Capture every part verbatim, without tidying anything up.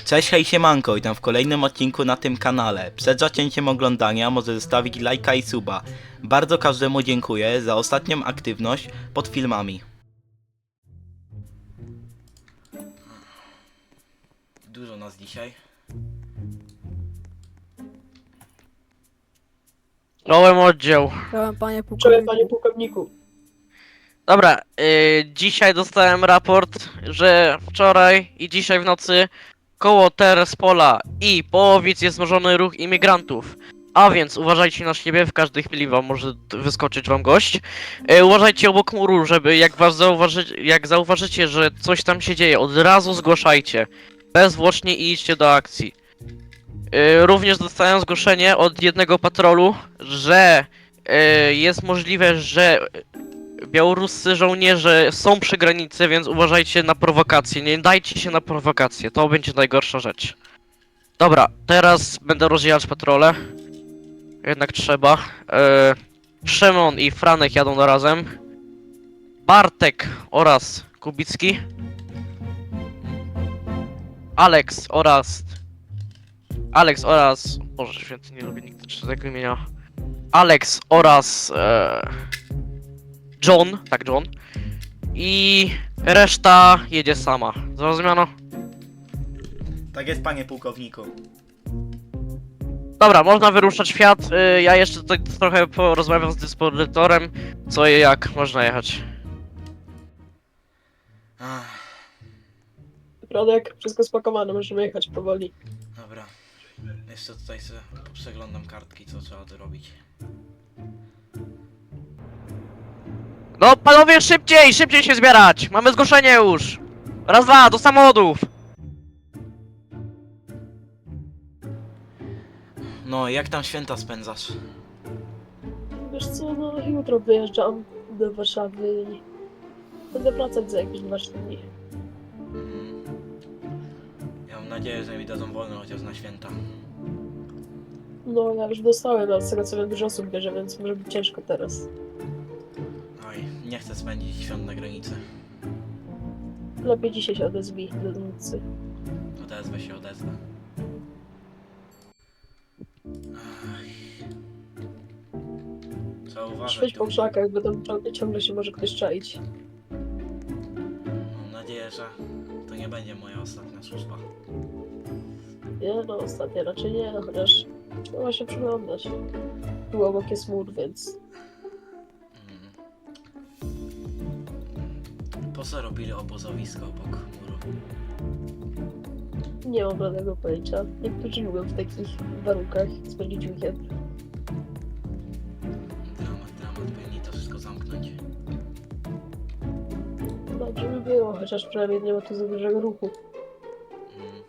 Cześć, hej, siemanko, witam w kolejnym odcinku na tym kanale. Przed zacięciem oglądania może zostawić lajka i suba. Bardzo każdemu dziękuję za ostatnią aktywność pod filmami. Dużo nas dzisiaj. Czołem oddział. Czołem panie pułkowniku. Czołem panie pułkowniku. Dobra, yy, dzisiaj dostałem raport, że wczoraj i dzisiaj w nocy koło Terespola i Połowic jest wzmożony ruch imigrantów. A więc uważajcie na siebie, w każdej chwili wam może d- wyskoczyć wam gość. Yy, uważajcie obok muru, żeby jak was zauważy, jak zauważycie, że coś tam się dzieje, od razu zgłaszajcie. Bezzwłocznie i idźcie do akcji. Yy, również dostałem zgłoszenie od jednego patrolu, że yy, jest możliwe, że białoruscy żołnierze są przy granicy, więc uważajcie na prowokacje. Nie dajcie się na prowokacje, to będzie najgorsza rzecz. Dobra, teraz będę rozdzielać patrole. Jednak trzeba. Yy, Szymon i Franek jadą razem. Bartek oraz Kubicki. Alex oraz... Alex oraz... Boże święty, nie lubię nigdy tego imienia. Alex oraz... E... John, tak John. I reszta jedzie sama. Zrozumiano? Tak jest, panie pułkowniku. Dobra, można wyruszać świat. Y, ja jeszcze tutaj trochę porozmawiam z dyspozytorem, co i jak można jechać. Ach, Prodek, wszystko spakowane, możemy jechać powoli. dobra. Jeszcze tutaj sobie przeglądam kartki, co trzeba dorobić. No panowie, szybciej, szybciej się zbierać! Mamy zgłoszenie już! Raz, dwa, do samochodów! No, jak tam święta spędzasz? Wiesz co, no jutro wyjeżdżam do Warszawy i będę wracać za jakieś dwa dni. Mm. Ja mam nadzieję, że mi dadzą wolno chociaż na święta. No ja już dostałem, ale z tego co wiem dużo osób bierze, więc może być ciężko teraz. Oj, nie chcę spędzić świąt na granicy. Lepiej dzisiaj się odezwij do nocy. Odezwę się, odezwę. Ach. Trzeba uważać. Świeć po tu. krzakach, bo tam cią- ciągle się może ktoś czaić. Mam nadzieję, że to nie będzie moja ostatnia służba. Nie no, ostatnio raczej nie, chociaż trzeba się przyglądać. Tu obok jest mur, więc Mm. Po co robili obozowisko obok muru? nie mam żadnego pojęcia. Niektórzy lubią w takich warunkach spędzić weekend. Dramat, dramat, powinni to wszystko zamknąć. Dobrze by było, chociaż przynajmniej nie ma tu za dużego ruchu. Mm.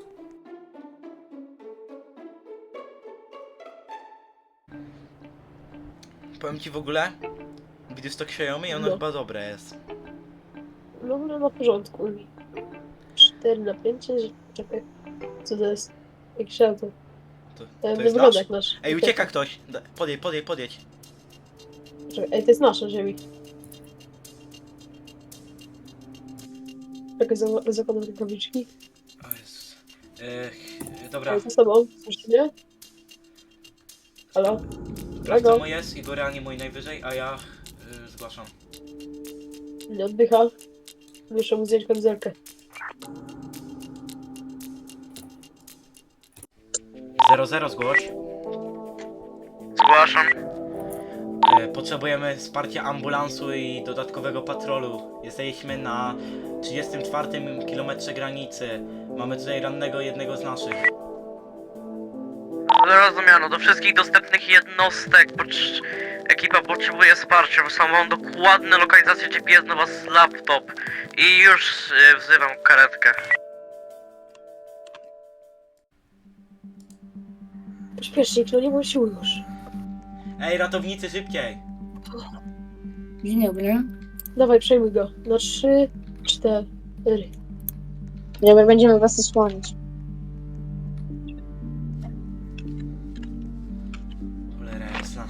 Powiem ci w ogóle, gdyż to Xiaomi, ono No. chyba dobre jest. No, no na porządku. cztery na pięć, czekaj. Co to jest? Jakiś auto. To, E, to nie jest wygląda nasz. jak nasz. Ej, ucieka ktoś! Da- Podjedź, podjedź, podjedź. Czekaj, ej, to jest nasza ziemi. Czekaj, za- zakładam rękawiczki. O Jezus. Ech, dobra, Ej, za sobą, słyszysz mnie? Halo? sprawdź co Czego? mu jest i go reanimuj najwyżej, a ja y, zgłaszam. Nie oddycha. Muszę mu zdjąć kamizelkę. zero zero zgłoś. Zgłaszam. E, Potrzebujemy wsparcia ambulansu i dodatkowego patrolu. Jesteśmy na trzydziestym czwartym kilometrze granicy. Mamy tutaj rannego jednego z naszych. Zrozumiano, do wszystkich dostępnych jednostek pocz- ekipa potrzebuje wsparcia. Mam dokładne lokalizacje G P S na was laptop i już y, wzywam karetkę. Pośpiesznik, no nie bądź siły już. Ej, ratownicy, szybciej! Dzień dobry. Dawaj, przejmuj go. Na trzy, cztery. Nie, my będziemy was osłonić. Cholera jasna.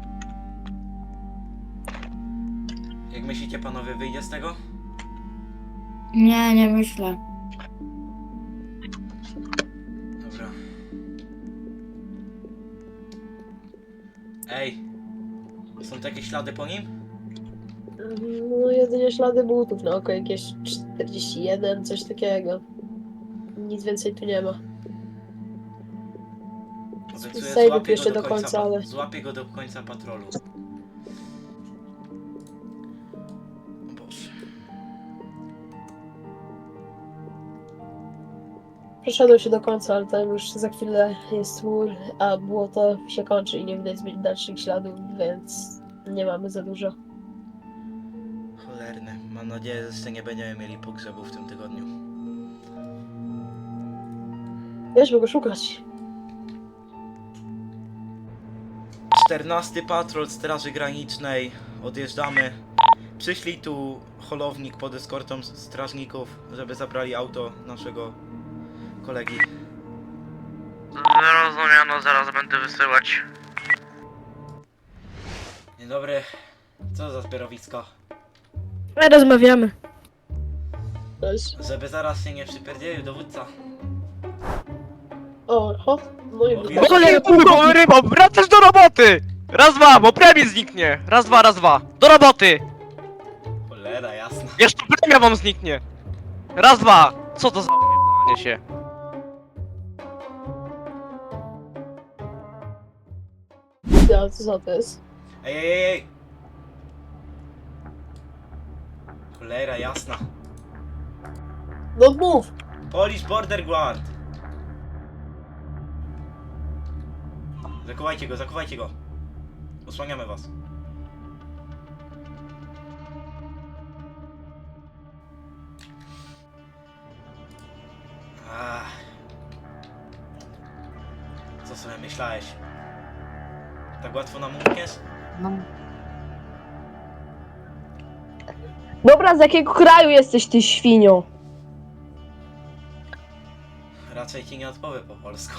Jak myślicie, panowie, wyjdzie z tego? Nie, nie myślę. Dobra. Ej. Są tu jakieś ślady po nim? No jedynie ślady butów na oko, jakieś czterdzieści jeden, coś takiego. Nic więcej tu nie ma. Obiecuję, Sejwów złapię jeszcze go do do końca, końca, pa- ale- Złapię go do końca patrolu. O Boże. Przeszedłem się do końca, ale tam już za chwilę jest mur, a błoto się kończy i nie widać zbyt dalszych śladów, więc nie mamy za dużo. Cholerne. Mam nadzieję, że jeszcze nie będziemy mieli pogrzebu w tym tygodniu. Weźmy go szukać. czternasty patrol Straży Granicznej. Odjeżdżamy. Przyszli tu holownik pod eskortą s- strażników, żeby zabrali auto naszego kolegi. Zrozumiano, zaraz będę wysyłać. Dzień dobry. Co za zbiorowisko? My rozmawiamy. Cześć. Żeby zaraz się nie przypierdzielił dowódca. O, ho. No i Mówię- wrócił. Cholera, kurwa, rybo, wracasz do roboty! Raz, dwa, bo premie zniknie! Raz, dwa, raz, dwa. Do roboty! Cholera, jasna. Jeszcze premia wam zniknie! Raz, dwa! Co to za pierdolenie się? Ja, co za to jest? Ej, ej, ej, ej! Cholera, jasna. No mów! Polish Border Guard! Zakuwajcie go, zakuwajcie go. Osłaniamy was. Ach. Co sobie myślałeś? Tak łatwo nam umkniesz? Dobra, z jakiego kraju jesteś ty, świnio? Raczej ci nie odpowiem po polsku.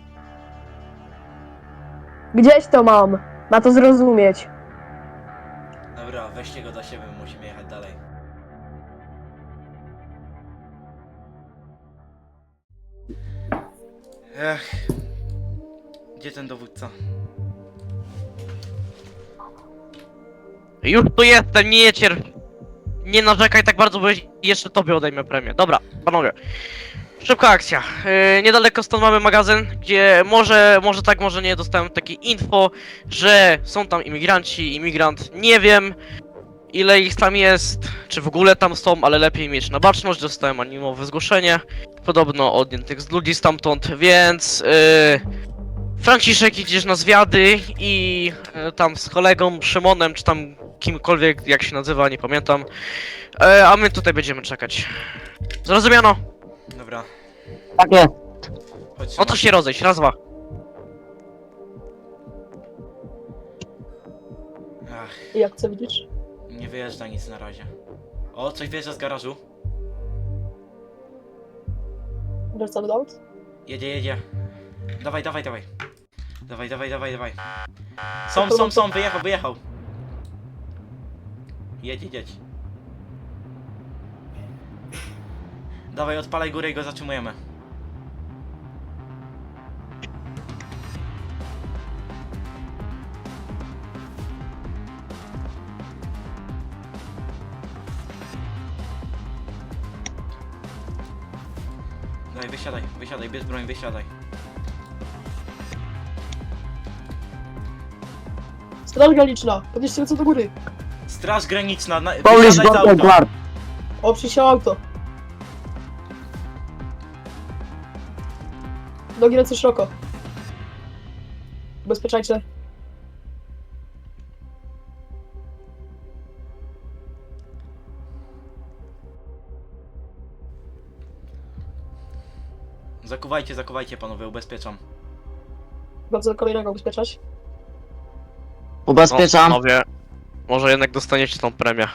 Gdzieś to mam. Ma to zrozumieć. Dobra, weźcie go do siebie, musimy jechać dalej. Ech. Gdzie ten dowódca? Już tu jestem, nie cier... Nie narzekaj tak bardzo, bo jeszcze tobie odejmę premię. Dobra, panowie. Szybka akcja. Yy, niedaleko stąd mamy magazyn, gdzie może, może tak, może nie, dostałem takie info, że są tam imigranci, imigrant, nie wiem ile ich tam jest, czy w ogóle tam są, ale lepiej mieć na baczność, dostałem anonimowe zgłoszenie, podobno odjętych z ludzi stamtąd, więc yy, Franciszek, idziesz na zwiady i yy, tam z kolegą Szymonem, czy tam kimkolwiek, jak się nazywa, nie pamiętam, yy, a my tutaj będziemy czekać. Zrozumiano? Dobra, Tak jest. chodź. No to się rozejść, raz, dwa. Ach, Jak co widzisz? nie wyjeżdża nic na razie. O, coś wjeżdża z garażu. Wracamy do aut? Jedzie, jedzie. Dawaj, dawaj, dawaj. Dawaj, dawaj, dawaj, dawaj. Są, są, są, wyjechał, wyjechał. Jedź, jedź. Dawaj, odpalaj górę i go zatrzymujemy. Dawaj, wysiadaj, wysiadaj, bierz broń, wysiadaj. Straż graniczna! Podnieście ręce do góry! Straż graniczna, na, Polish wysiadaj z Border auta. Guard. O, przysiał auto! Nogi ręce szeroko. Ubezpieczajcie. Zakuwajcie, zakuwajcie panowie, ubezpieczam. Bardzo kolejnego ubezpieczać. Ubezpieczam. No, panowie, może jednak dostaniecie tą premię.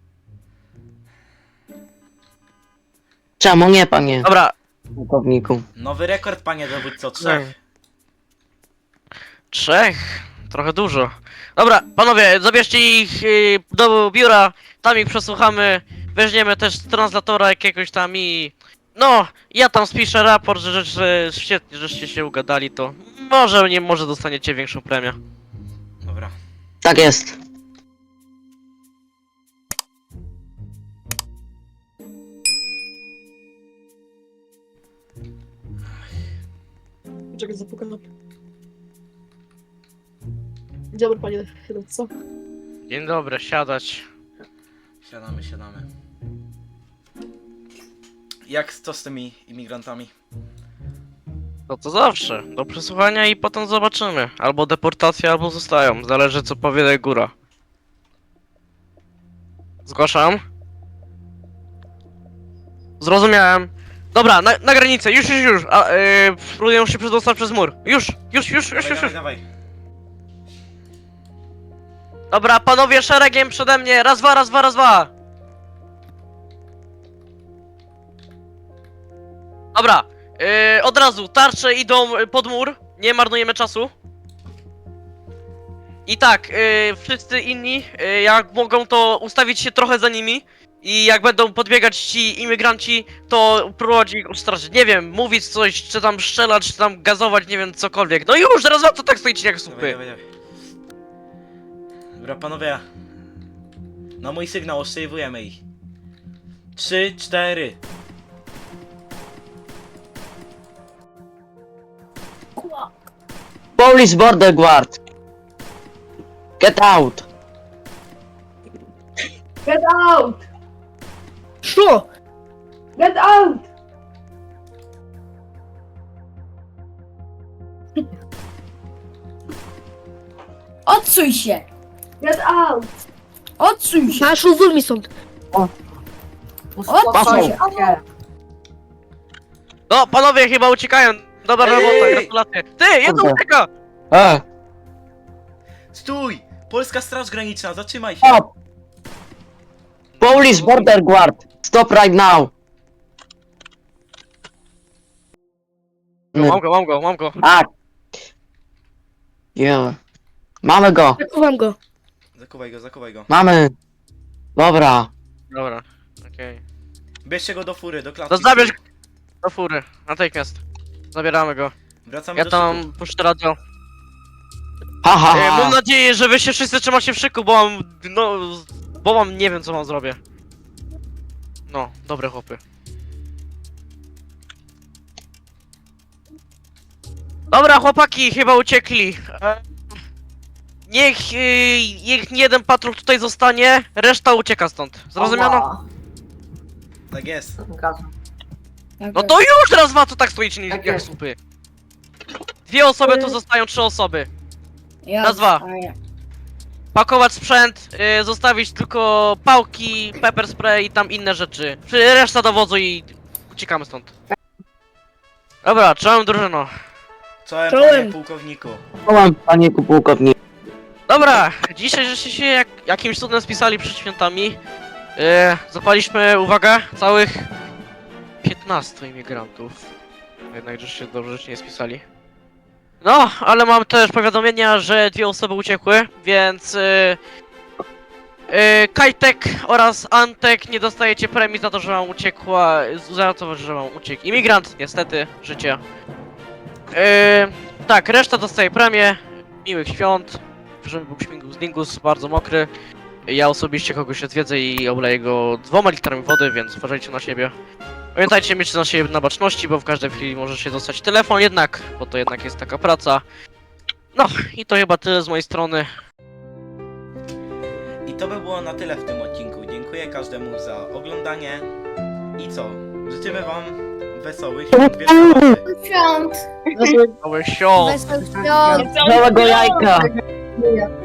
Czemu nie, panie Dobra, pułkowniku? Nowy rekord, panie dowódco, trzech. trzech. Trochę dużo. Dobra, panowie, zabierzcie ich y, do biura, tam ich przesłuchamy, weźmiemy też translatora jakiegoś tam i No, ja tam spiszę raport, że, że, że świetnie, żeście się ugadali, to może, nie, może dostaniecie większą premię. Dobra. Tak jest. Czekaj, zapukam. Dzień dobry, panie dowódco. Dzień dobry, siadać. Siadamy, siadamy. Jak to z tymi imigrantami? To co zawsze, do przesłuchania i potem zobaczymy. Albo deportacja, albo zostają, zależy co powie góra. Zgłaszam. Zrozumiałem. Dobra, na, na granicę, już, już, już. A, yy, próbuję się przedostać przez mur. Już, już, już, już, Dawaj, już, dawaj, już. dawaj. Dobra, panowie szeregiem przede mnie. Raz, dwa, raz, dwa, raz, dwa. Dobra, yy, od razu, tarcze idą pod mur. Nie marnujemy czasu. I tak, yy, wszyscy inni, yy, jak mogą, to ustawić się trochę za nimi. I jak będą podbiegać ci imigranci, to próbować ich ustraszyć. Nie wiem, mówić coś, czy tam strzelać, czy tam gazować, nie wiem, cokolwiek. No już, raz, dwa, to tak stoicie jak Dawaj, supy. dawaj, dawaj. Dobra, panowie. Na mój sygnał ostrzejwujemy ich. Trzy, cztery. Police border guard. Get out. Get out! Szło! Get out! Odsuń się! Get out! Odsuń się! Masz uwól mi stąd. Odsuń się! No, panowie chyba uciekają. Dobra Ej, robota, ej, ej. gratulacje. Ty, jedno Kurde. ucieka! E, Stój! Polska Straż Graniczna, zatrzymaj się! stop. Police border guard. Stop right now. Mam go, mam go, mam go. Tak. Yeah. Mamy go. Zakuwam go. Zakuwaj go, zakuwaj go. Mamy. Dobra. Dobra, okej. Bierzcie go do fury, do klatki. To zabierz do fury, natychmiast. Zabieramy go. Wracamy Ja do szyku. tam puszczę radio. Ha, ha, E, ha. mam nadzieję, że wy się wszyscy trzymacie w szyku, bo mam, no, bo mam, nie wiem co mam zrobię. No, dobre chłopy. Dobra chłopaki, chyba uciekli. E, niech, e, niech jeden patrol tutaj zostanie, reszta ucieka stąd. Zrozumiano? Tak jest. No to już raz dwa, to tak stoicie nie- jak jest. słupy. Dwie osoby tu zostają, trzy osoby. Ja Raz, dwa. zostaję. Pakować sprzęt, y, zostawić tylko pałki, pepper spray i tam inne rzeczy. Przy- Reszta do wozu i uciekamy stąd. Dobra, czołem drużyno. Czołem, Czołem. panie pułkowniku. Czołem, panie pułkownik. Dobra, dzisiaj żeście się jak, jakimś cudem spisali przed świętami. Yy, zapaliśmy, uwaga, całych piętnastu imigrantów. Jednak żeście dobrze się nie spisali. No, ale mam też powiadomienia, że dwie osoby uciekły, więc... Yy, yy, Kajtek oraz Antek nie dostajecie premii za to, że wam uciekła... za to, że wam uciekł imigrant, niestety, życie. Yy, tak, reszta dostaje premię. Miłych świąt. Żeby był śmigus dingus, bardzo mokry. Ja osobiście kogoś odwiedzę i obleję go dwoma litrami wody, więc uważajcie na siebie. Pamiętajcie mieć na siebie na baczności, bo w każdej chwili może się dostać telefon jednak, bo to jednak jest taka praca. No i to chyba tyle z mojej strony. I to by było na tyle w tym odcinku. Dziękuję każdemu za oglądanie. I co? Życzymy wam wesołych świąt Wielkanocy. Świąt! Małe świąt! Wesołych świąt! Całego jajka. Nie.